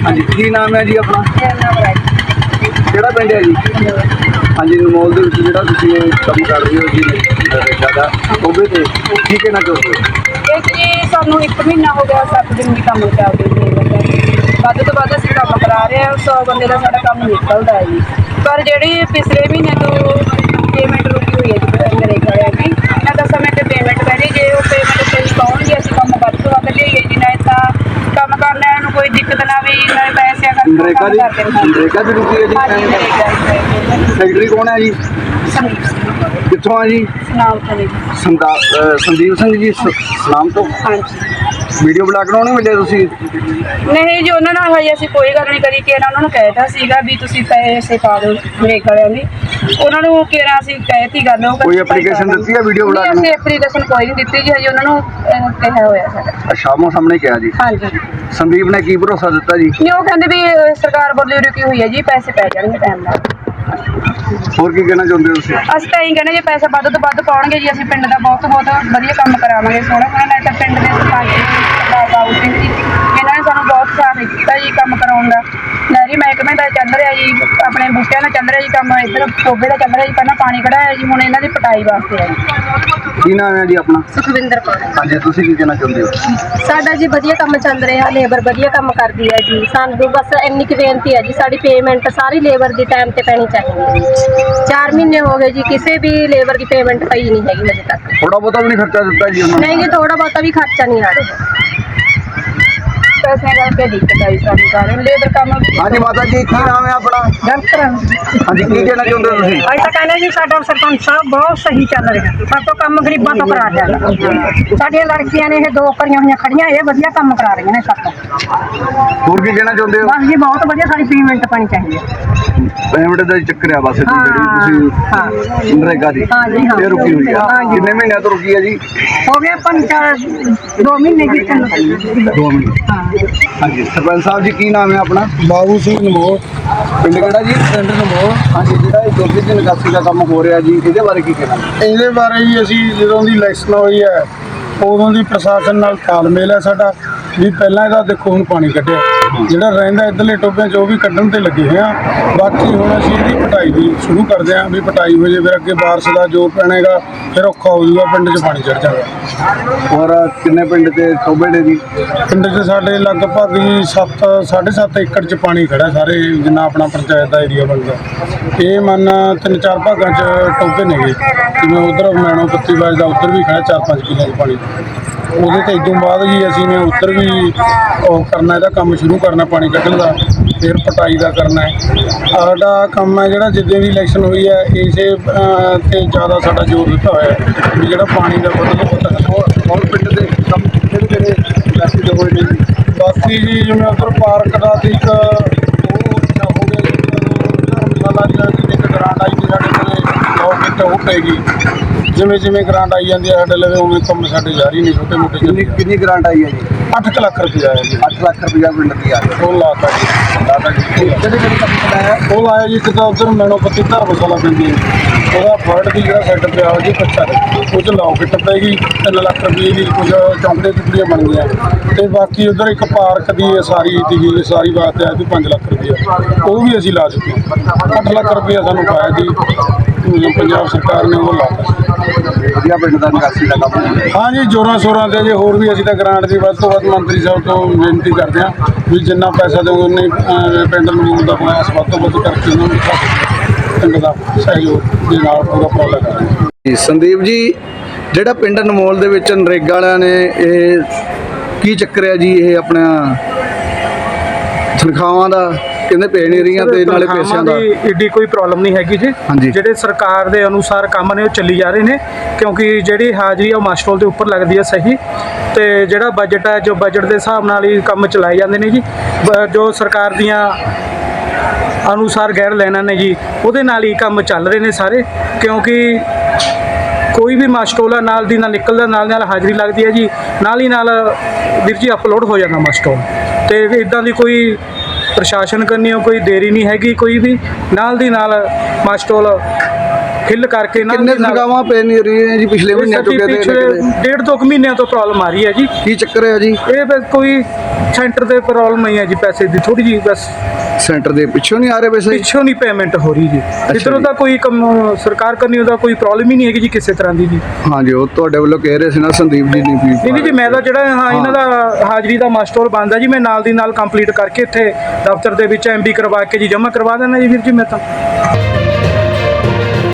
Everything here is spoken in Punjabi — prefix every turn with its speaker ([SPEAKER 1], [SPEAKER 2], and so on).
[SPEAKER 1] हाँ जी की नाम है जी अपना?
[SPEAKER 2] मेरा नाम राज।
[SPEAKER 1] ਕਿਹੜਾ ਪਿੰਡ ਹੈ ਜੀ? ਹਾਂਜੀ ਅਨਮੋਲ ਦੇ ਵਿੱਚ ਜਿਹੜਾ ਤੁਸੀਂ ਇਹ ਕੰਮ ਕਰ ਰਹੇ ਹੋ ਜੀ ਜ਼ਿਆਦਾ ਉਹਦੇ ਤੇ ਕੀ ਕਹਿਣਾ ਚਾਹੁੰਦੇ ਹੋ?
[SPEAKER 2] ਇਹ ਜੀ ਸਾਨੂੰ 1 ਮਹੀਨਾ ਹੋ ਗਿਆ 7 ਦਿਨ ਦੀ ਕੰਮ ਚੱਲਦੇ ਨੇ। ਵੱਧ ਤੋਂ ਵੱਧ ਅਸੀਂ ਕੰਮ ਕਰਾ ਰਹੇ ਹਾਂ 100 ਬੰਦੇ ਦਾ ਸਾਡਾ ਕੰਮ ਨਿਕਲਦਾ ਹੈ ਜੀ। ਪਰ ਜਿਹੜੀ ਪਿਛਲੇ ਮਹੀਨੇ ਤੋਂ ਪੇਮੈਂਟ ਰੁਕੀ ਹੋਈ ਹੈ ਜੀ ਨਰੇਗਾ ਵਾਲਿਆਂ ਦੀ, ਇਹਨਾਂ ਦਾ ਸਮੇਂ ਤੇ ਪੇਮੈਂਟ ਪੈਣੀ, ਜੇ ਉਹ ਪੇਮੈਂਟ ਤੇ ਪਾਉਣਗੇ ਅਸੀਂ ਕੰਮ ਵੱਧ ਤੋਂ ਵੱਧ ਲਈਏ ਜੀ। ਨਹੀਂ ਤਾਂ ਕੰਮ ਕਰਨਾ ਨੂੰ ਕੋਈ ਦਿੱਕਤ ਨਾ ਵੀ ਨਾਲੇ ਪੈਸਿਆਂ ਦਾ
[SPEAKER 1] ਨਰੇਗਾ ਦੀ ਰੁਕੀ ਹੈ ਜੀ?
[SPEAKER 2] ਹਾਂਜੀ ਨਰੇਗਾ ਦੀ।
[SPEAKER 1] ਸੈਕਟਰੀ ਕੌਣ ਹੈ ਜੀ?
[SPEAKER 2] ਸੰਦੀਪ ਸਿੰਘ
[SPEAKER 1] ਕਿੱਥੋਂ ਆ ਜੀ?
[SPEAKER 2] ਸੁਨਾਮ ਤੋਂ ਜੀ।
[SPEAKER 1] ਸੰਦੀਪ ਸਿੰਘ ਜੀ ਸਲਾਮ ਤੋਂ।
[SPEAKER 2] ਹਾਂਜੀ
[SPEAKER 1] ਵੀਡੀਓ ਬਣਾ ਕੇ ਨਹੀਂ ਮਿਲੇ ਤੁਸੀਂ?
[SPEAKER 2] ਨਹੀਂ ਜੀ, ਉਹਨਾਂ ਨਾਲ ਹਜੇ ਅਸੀਂ ਕੋਈ ਗੱਲ ਨਹੀਂ ਕਰੀ। ਕਿਹੜਾ ਉਹਨਾਂ ਨੂੰ ਕਹਿਤਾ ਸੀਗਾ ਵੀ ਤੁਸੀਂ ਪੈਸੇ ਪਾ ਦਿਓ ਨਰੇਗਾ ਵਾਲਿਆਂ ਦੀ, ਉਹਨਾਂ ਨੂੰ ਕਿਹੜਾ ਅਸੀਂ ਕਹਿਤੀ ਗੱਲ। ਉਹ
[SPEAKER 1] ਕੋਈ ਐਪਲੀਕੇਸ਼ਨ ਦਿੱਤੀ ਹੈ ਵੀਡੀਓ ਬਣਾ ਕੇ?
[SPEAKER 2] ਅਸੀਂ ਐਪਲੀਕੇਸ਼ਨ ਕੋਈ ਨਹੀਂ ਦਿੱਤੀ ਜੀ ਹਜੇ, ਉਹਨਾਂ ਨੂੰ ਕਿਹਾ ਹੋਇਆ ਸਾਡਾ।
[SPEAKER 1] ਸ਼ਾਮੋ ਸਾਹਮਣੇ ਕਿਹਾ ਜੀ?
[SPEAKER 2] ਹਾਂਜੀ।
[SPEAKER 1] ਸੰਦੀਪ ਨੇ ਕੀ ਭਰੋਸਾ ਦਿੱਤਾ ਜੀ?
[SPEAKER 2] ਨਹੀਂ, ਉਹ ਕਹਿੰਦੇ ਵੀ ਸਰਕਾਰ ਵੱਲੋਂ ਰੁਕੀ ਹੋਈ ਹੈ ਜੀ, ਪੈਸੇ ਪੈ ਜਾਣਗੇ ਟਾਈਮ ਨਾਲ।
[SPEAKER 1] ਹੋਰ ਕੀ ਕਹਿਣਾ ਚਾਹੁੰਦੇ ਹੋ ਤੁਸੀਂ?
[SPEAKER 2] ਅਸੀਂ ਤਾਂ ਇਹੀ ਕਹਿੰਦੇ ਜੇ ਪੈਸੇ ਵੱਧ ਤੋਂ ਵੱਧ ਪਾਉਣਗੇ ਜੀ ਅਸੀਂ ਪਿੰਡ ਦਾ ਬਹੁਤ ਵਧੀਆ ਕੰਮ ਕਰਾਵਾਂਗੇ। ਸੋਹਣਾ ਨਾਲ ਤਾਂ ਪਿੰਡ ਦੇ ਸਰਪੰਚ ਬਾਬੂ ਸਿੰਘ ਜੀ ਇਹਨਾਂ ਨੇ ਸਾਨੂੰ ਬਹੁਤ ਸਾਥ ਦਿੱਤਾ ਜੀ ਕੰਮ ਕਰਾਉਣ ਦਾ। ਨਹਿਰੀ ਮਹਿਕਮੇ ਦਾ ਚੱਲ ਰਿਹਾ ਜੀ, ਆਪਣੇ ਬੂਟਿਆਂ ਦਾ ਚੱਲ ਰਿਹਾ ਜੀ ਕੰਮ, ਇੱਧਰ ਟੋਬੇ ਦਾ ਚੱਲ ਰਿਹਾ ਜੀ। ਪਹਿਲਾਂ ਪਾਣੀ ਕਢਾਇਆ ਜੀ, ਹੁਣ ਇਹਨਾਂ ਦੀ ਪਟਾਈ ਵਾਸਤੇ ਹੈ ਜੀ।
[SPEAKER 1] ਕੀ ਨਾਮ ਹੈ ਜੀ ਆਪਣਾ?
[SPEAKER 2] ਸੁਖਵਿੰਦਰ ਕੌਰ।
[SPEAKER 1] ਹਾਂਜੀ ਤੁਸੀਂ ਕੀ ਕਹਿਣਾ ਚਾਹੁੰਦੇ ਹੋ?
[SPEAKER 3] ਸਾਡਾ ਜੀ ਵਧੀਆ ਕੰਮ ਚੱਲ ਰਿਹਾ, ਲੇਬਰ ਵਧੀਆ ਕੰਮ ਕਰਦੀ ਹੈ ਜੀ। ਸਾਨੂੰ ਬਸ ਇੰਨੀ ਕੁ ਬੇਨਤੀ ਹੈ ਜੀ, ਸਾਡੀ ਪੇਮੈਂਟ ਸਾਰੀ ਲੇਬਰ ਦੀ ਟਾਈਮ ਤੇ ਪੈਣੀ ਚਾਹੀਦੀ ਹੈ। 4 ਮਹੀਨੇ ਹੋ ਗਏ ਜੀ, ਕਿਸੇ ਵੀ ਲੇਬਰ ਦੀ ਪੇਮੈਂਟ ਪਈ ਨਹੀਂ ਹੈਗੀ ਅਜੇ ਤੱਕ।
[SPEAKER 1] ਥੋੜਾ ਬਹੁਤਾ ਵੀ ਨਹੀਂ ਖਰਚਾ ਦਿੱਤਾ ਜੀ ਉਹਨਾਂ ਨੇ?
[SPEAKER 3] ਨਹੀਂ ਜੀ, ਥੋੜਾ ਬਹੁਤਾ ਵੀ ਖਰਚਾ ਨਹੀਂ ਆ ਰਿਹਾ।
[SPEAKER 2] ਪੈਸੇ ਕਰਕੇ ਦਿੱਕਤ ਆਈ ਸਾਨੂੰ ਸਾਰੇ ਲੇਬਰ ਕੰਮ।
[SPEAKER 1] ਹਾਂਜੀ ਮਾਤਾ ਜੀ ਕੀ ਨਾਮ ਹੈ ਆਪਣਾ? ਹਾਂਜੀ ਕੀ ਕਹਿਣਾ ਚਾਹੁੰਦੇ ਹੋ ਤੁਸੀਂ?
[SPEAKER 4] ਅਸੀਂ ਤਾਂ ਕਹਿੰਦੇ ਜੀ ਸਾਡਾ ਸਰਪੰਚ ਸਾਹਿਬ ਬਹੁਤ ਸਹੀ ਚੱਲ ਰਿਹਾ, ਸਾਤੋਂ ਕੰਮ ਗਰੀਬਾਂ ਤੋਂ ਕਰਾ ਰਿਹਾ। ਸਾਡੀਆਂ ਲੜਕੀਆਂ ਨੇ ਇਹ 2 ਕਰੀਆਂ ਹੋਈਆਂ ਖੜੀਆਂ, ਇਹ ਵਧੀਆ ਕੰਮ ਕਰਾ ਰਹੀਆਂ ਨੇ ਸਾਤੋਂ।
[SPEAKER 1] ਹੋਰ ਕੀ ਕਹਿਣਾ ਚਾਹੁੰਦੇ ਹੋ?
[SPEAKER 4] ਬਸ ਜੀ ਬਹੁਤ ਵਧੀਆ, ਸਾਡੀ ਪੇਮੈਂਟ ਪਾਣੀ ਚਾਹੀਦੀ ਹੈ।
[SPEAKER 1] ਪੇਮੈਂਟ ਦਾ ਚੱਕਰ ਆ ਬਸ ਜਿਹੜੀ ਤੁਸੀਂ ਨਰੇਗਾ ਦੀ ਇਹ ਰੁਕੀ ਹੋਈ ਆ। ਕਿੰਨੇ ਮਹੀਨਿਆਂ ਤੋਂ ਰੁਕੀ ਹੈ ਜੀ?
[SPEAKER 4] ਹੋ ਗਏ 2 ਮਹੀਨੇ ਜੀ।
[SPEAKER 1] 2 ਮਹੀਨੇ। ਹਾਂਜੀ ਸਰਪੰਚ ਸਾਹਿਬ ਜੀ ਕੀ ਨਾਮ ਹੈ ਆਪਣਾ?
[SPEAKER 5] ਬਾਬੂ ਸਿੰਘ ਨਮੋਰ।
[SPEAKER 1] ਪਿੰਡ ਕਿਹੜਾ ਜੀ?
[SPEAKER 5] ਪਿੰਡ ਨਮੋਰ।
[SPEAKER 1] ਹਾਂਜੀ ਜਿਹੜਾ ਇਹ ਦੁੱਧ ਦੀ ਨਿਕਾਸੀ ਦਾ ਕੰਮ ਹੋ ਰਿਹਾ ਜੀ ਇਹਦੇ ਬਾਰੇ ਕੀ ਕਹਿਣਾ?
[SPEAKER 5] ਇਹਦੇ ਬਾਰੇ ਜੀ ਅਸੀਂ ਜਦੋਂ ਦੀ ਇਲੈਕਸ਼ਨ ਹੋਈ ਹੈ ਉਦੋਂ ਦੀ ਪ੍ਰਸ਼ਾਸਨ ਨਾਲ ਤਾਲਮੇਲ ਹੈ ਸਾਡਾ ਵੀ ਪਹਿਲਾਂ ਇਹਦਾ ਦੇਖੋ ਹੁਣ ਪਾਣੀ ਕੱਢਿਆ, ਜਿਹੜਾ ਰਹਿੰਦਾ ਇੱਧਰਲੇ ਟੋਭਿਆਂ 'ਚ ਉਹ ਵੀ ਕੱਢਣ ਤੇ ਲੱਗੇ ਹੋਏ ਆ। ਬਾਕੀ ਹੁਣ ਅਸੀਂ ਇਹਦੀ ਪਟਾਈ ਵੀ ਸ਼ੁਰੂ ਕਰਦੇ ਹਾਂ ਵੀ ਪਟਾਈ ਹੋ ਜੇ, ਫਿਰ ਅੱਗੇ ਬਾਰਿਸ਼ ਦਾ ਜ਼ੋਰ ਪੈਣੇਗਾ, ਫਿਰ ਔਖਾ ਹੋ ਜਾਊਗਾ, ਪਿੰਡ 'ਚ ਪਾਣੀ ਚੜ ਜਾਊਗਾ।
[SPEAKER 1] ਹੋਰ ਕਿੰਨੇ ਪਿੰਡ ਤੇ ਟੋਬੇ ਨੇ ਜੀ?
[SPEAKER 5] ਪਿੰਡ 'ਚ ਸਾਡੇ ਲਗਭਗ ਜੀ 7.5 ਏਕੜ 'ਚ ਪਾਣੀ ਖੜਾ, ਸਾਰੇ ਜਿੰਨਾ ਆਪਣਾ ਪੰਚਾਇਤ ਦਾ ਏਰੀਆ ਬਣਦਾ। ਇਹ ਮੰਨ 3-4 ਭਾਗਾਂ 'ਚ ਟੋਭੇ ਨੇਗੇ, ਜਿਵੇਂ ਉਧਰ ਮੈਣੋ ਪੱਤੀ ਵੱਜਦਾ ਉੱਧਰ ਵੀ ਖੜਾ 4-5 ਕਿੱਲਿਆਂ 'ਚ ਪਾਣੀ। ਉਹਦੇ ਤੇ ਇਦੋਂ ਬਾਅਦ ਜੀ ਅਸੀਂ ਨੇ ਉੱਧਰ ਵੀ ਉਹ ਕਰਨਾ, ਇਹਦਾ ਕੰਮ ਸ਼ੁਰੂ ਕਰਨਾ ਪਾਣੀ ਕੱਢਣ ਦਾ, ਫਿਰ ਪਟਾਈ ਦਾ ਕਰਨਾ ਹੈ। ਸਾਡਾ ਕੰਮ ਹੈ ਜਿਹੜਾ ਜਿੱਦਾਂ ਦੀ ਇਲੈਕਸ਼ਨ ਹੋਈ ਹੈ ਇਸੇ ਤੇ ਜ਼ਿਆਦਾ ਸਾਡਾ ਜ਼ੋਰ ਦਿੱਤਾ ਹੋਇਆ ਵੀ ਜਿਹੜਾ ਪਾਣੀ ਦਾ
[SPEAKER 1] ਹੋਰ ਪਿੰਡ ਦੇ ਕੰਮ ਕਿਹੜੇ ਮੈਸੇਜ ਹੋਏ ਨੇ ਜੀ?
[SPEAKER 5] ਬਾਕੀ ਜੀ ਜਿਵੇਂ ਉੱਧਰ ਪਾਰਕ ਦਾ ਸੀ ਇੱਕ ਉਹ ਹੋ ਗਿਆ ਜੀ, ਧਰਮਸ਼ਾਲਾ ਦੀ ਇੱਕ ਗਰਾਂਟ ਆਈ ਸੀ ਸਾਡੇ ਕੋਲ, ਉਹ ਪੈ ਗਈ। ਜਿਵੇਂ ਜਿਵੇਂ ਗਰਾਂਟ ਆਈ ਜਾਂਦੀ ਹੈ ਸਾਡੇ ਲਵੇ ਉਵੇਂ ਕੰਮ ਸਾਡੇ ਜਾਰੀ ਨਹੀਂ, ਛੋਟੇ ਮੋਟੇ।
[SPEAKER 1] ਕਿੰਨੀ ਗਰਾਂਟ ਆਈ ਹੈ ਜੀ?
[SPEAKER 5] 8 ਲੱਖ ਰੁਪਇਆ ਆਇਆ ਜੀ।
[SPEAKER 1] 8 ਲੱਖ ਰੁਪਇਆ ਪਿੰਡ ਦੀ ਆ
[SPEAKER 5] ਉਹ ਲਾਤਾ ਜੀ।
[SPEAKER 1] ਕਿਹੜੇ ਕੰਮ ਲਾਇਆ?
[SPEAKER 5] ਉਹ ਲਾਇਆ ਜੀ ਇੱਕ ਤਾਂ ਉੱਧਰ ਮੈਣੋ ਪੱਤੀ ਧਰਮਸ਼ਾਲਾ ਪੈਂਦੀ ਹੈ, ਉਹਦਾ ਫਰਡ ਦੀ ਜਿਹੜਾ ਸੈੱਟ ਪਿਆ ਉਹ ਜੀ ਕੱਚਾ, ਉਹ 'ਚ ਲੌਕਟ ਪੈਗੀ 3 ਲੱਖ ਰੁਪਏ ਦੀ, ਕੁਝ ਚੌਂਕੜੇ ਟੁਕੜੀਆਂ ਬਣ ਗਈਆਂ। ਅਤੇ ਬਾਕੀ ਉੱਧਰ ਇੱਕ ਪਾਰਕ ਦੀ ਸਾਰੀ ਸੀਗੀ, ਸਾਰੀ ਵਾਸਤੇ ਆਇਆ ਸੀ 5 ਲੱਖ ਰੁਪਇਆ, ਉਹ ਵੀ ਅਸੀਂ ਲਾ ਚੁੱਕੇ ਹਾਂ। 8 ਲੱਖ ਰੁਪਇਆ ਸਾਨੂੰ ਪਾਇਆ ਜੀ ਪੰਜਾਬ ਸਰਕਾਰ ਨੇ, ਉਹ ਲਾਤਾ।
[SPEAKER 1] ਵਧੀਆ ਪਿੰਡ ਦਾ ਨਿਕਾਸੀ ਦਾ ਕੰਮ ਹੋ ਰਿਹਾ।
[SPEAKER 5] ਹਾਂ ਜੀ ਜ਼ੋਰਾਂ ਸ਼ੋਰਾਂ 'ਤੇ ਜੇ ਹੋਰ ਵੀ ਅਸੀਂ ਤਾਂ ਗਰਾਂਟ ਦੀ ਵੱਧ ਤੋਂ ਵੱਧ ਮੰਤਰੀ ਸਾਹਿਬ ਤੋਂ ਬੇਨਤੀ ਕਰਦੇ ਹਾਂ ਵੀ ਜਿੰਨਾ ਪੈਸਾ ਦਿਓਗੇ ਉਨੇ ਪਿੰਡ ਨੂੰ ਦਾ ਪ੍ਰਯਾਸ ਵੱਧ ਤੋਂ ਵੱਧ ਕਰਕੇ ਉਹਨਾਂ ਨੂੰ ਪਿੰਡ ਦਾ ਸਹਿਯੋਗ ਦੇ ਨਾਲ ਪੂਰਾ ਉਪਰਾਲਾ ਕਰਾਂਗੇ।
[SPEAKER 1] ਸੰਦੀਪ ਜੀ ਜਿਹੜਾ ਪਿੰਡ ਅਨਮੋਲ ਦੇ ਵਿੱਚ ਨਰੇਗਾ ਵਾਲਿਆਂ ਨੇ ਇਹ ਕੀ ਚੱਕਰ ਹੈ ਜੀ? ਇਹ ਆਪਣਾ ਤਨਖਾਹਾਂ ਦਾ ਕਹਿੰਦੇ ਪੈ ਨਹੀਂ ਰਹੀਆਂ ਤੇ ਨਾਲੇ ਪੈਸਿਆਂ ਦਾ
[SPEAKER 6] ਏਡੀ ਕੋਈ ਪ੍ਰੋਬਲਮ ਨਹੀਂ ਹੈਗੀ ਜੀ। ਜਿਹੜੇ ਸਰਕਾਰ ਦੇ ਅਨੁਸਾਰ ਕੰਮ ਨੇ ਉਹ ਚੱਲੀ ਜਾ ਰਹੇ ਨੇ, ਕਿਉਂਕਿ ਜਿਹੜੀ ਹਾਜ਼ਰੀ ਆ ਉਹ ਮਾਸਟਰੋਲ ਦੇ ਉੱਪਰ ਲੱਗਦੀ ਹੈ ਸਹੀ, ਤੇ ਜਿਹੜਾ ਬਜਟ ਹੈ ਜੋ ਬਜਟ ਦੇ ਹਿਸਾਬ ਨਾਲ ਹੀ ਕੰਮ ਚਲਾਏ ਜਾਂਦੇ ਨੇ ਜੀ। ਜੋ ਸਰਕਾਰ ਦੀਆਂ ਅਨੁਸਾਰ ਗੈਰ ਲੈਣਾ ਨੇ ਜੀ ਉਹਦੇ ਨਾਲ ਹੀ ਕੰਮ ਚੱਲ ਰਹੇ ਨੇ ਸਾਰੇ, ਕਿਉਂਕਿ ਕੋਈ ਵੀ ਮਾਸਟਰੋਲ ਨਾਲ ਦੀ ਨਾਲ ਨਿਕਲਦਾ, ਨਾਲ ਹਾਜ਼ਰੀ ਲੱਗਦੀ ਹੈ ਜੀ, ਨਾਲ ਹੀ ਨਾਲ ਵੀਰ ਜੀ ਅਪਲੋਡ ਹੋ ਜਾਂਦਾ ਮਾਸਟਰੋਲ। ਤੇ ਇੱਦਾਂ ਦੀ ਕੋਈ ਪ੍ਰਸ਼ਾਸਨ ਕਰਨੀ ਕੋਈ ਦੇਰੀ ਨਹੀਂ ਹੈਗੀ, ਕੋਈ ਵੀ ਨਾਲ ਦੀ ਨਾਲ ਮਾਸਟਰੋਲ ਫਿਲ ਕਰਕੇ ਨਾ
[SPEAKER 1] ਕਿੰਨੇ ਤਨਖਾਹਾਂ ਪੈ ਨਹੀਂ ਰਹੀਆਂ ਜੀ ਪਿਛਲੇ ਮਹੀਨੇ ਤੋਂ ਕਿਤੇ
[SPEAKER 6] ਡੇਢ ਦੋ ਕੁ ਮਹੀਨਿਆਂ ਤੋਂ ਪ੍ਰੋਬਲਮ ਆ ਰਹੀ ਹੈ ਜੀ।
[SPEAKER 1] ਕੀ ਚੱਕਰ ਹੈ ਜੀ?
[SPEAKER 6] ਇਹ ਬਸ ਕੋਈ ਸੈਂਟਰ ਦੇ ਪ੍ਰੋਬਲਮ ਹੀ ਹੈ ਜੀ, ਪੈਸੇ ਦੀ ਥੋੜੀ ਜੀ ਬਸ
[SPEAKER 1] ਸੈਂਟਰ ਦੇ ਪਿੱਛੋਂ ਨਹੀਂ ਆ ਰਹੇ ਪੈਸੇ?
[SPEAKER 6] ਪਿੱਛੋਂ ਨਹੀਂ ਪੇਮੈਂਟ ਹੋ ਰਹੀ ਜੀ। ਇੱਧਰੋਂ ਦਾ ਕੋਈ ਕੰਮ ਸਰਕਾਰ ਕਰਨੀ ਉਹਦਾ ਕੋਈ ਪ੍ਰੋਬਲਮ ਹੀ ਨਹੀਂ ਹੈਗੀ ਜੀ ਕਿਸੇ ਤਰ੍ਹਾਂ ਦੀ ਜੀ।
[SPEAKER 1] ਹਾਂਜੀ, ਉਹ ਤੁਹਾਡੇ ਵੱਲੋਂ ਕਹਿ ਰਹੇ ਸੀ ਨਾ ਸੰਦੀਪ ਜੀ ਨੇ ਵੀ
[SPEAKER 6] ਨਹੀਂ ਜੀ, ਮੈਂ ਤਾਂ ਜਿਹੜਾ ਇਹਨਾਂ ਦਾ ਹਾਜ਼ਰੀ ਦਾ ਮਾਸਟਰ ਬੰਦ ਆ ਜੀ, ਮੈਂ ਨਾਲ ਦੀ ਨਾਲ ਕੰਪਲੀਟ ਕਰਕੇ ਇੱਥੇ ਦਫ਼ਤਰ ਦੇ ਵਿੱਚ MB ਕਰਵਾ ਕੇ ਜੀ ਜਮ੍ਹਾਂ ਕਰਵਾ ਦੇਣਾ ਜੀ ਵੀਰ ਜੀ ਮੈਂ ਤਾਂ।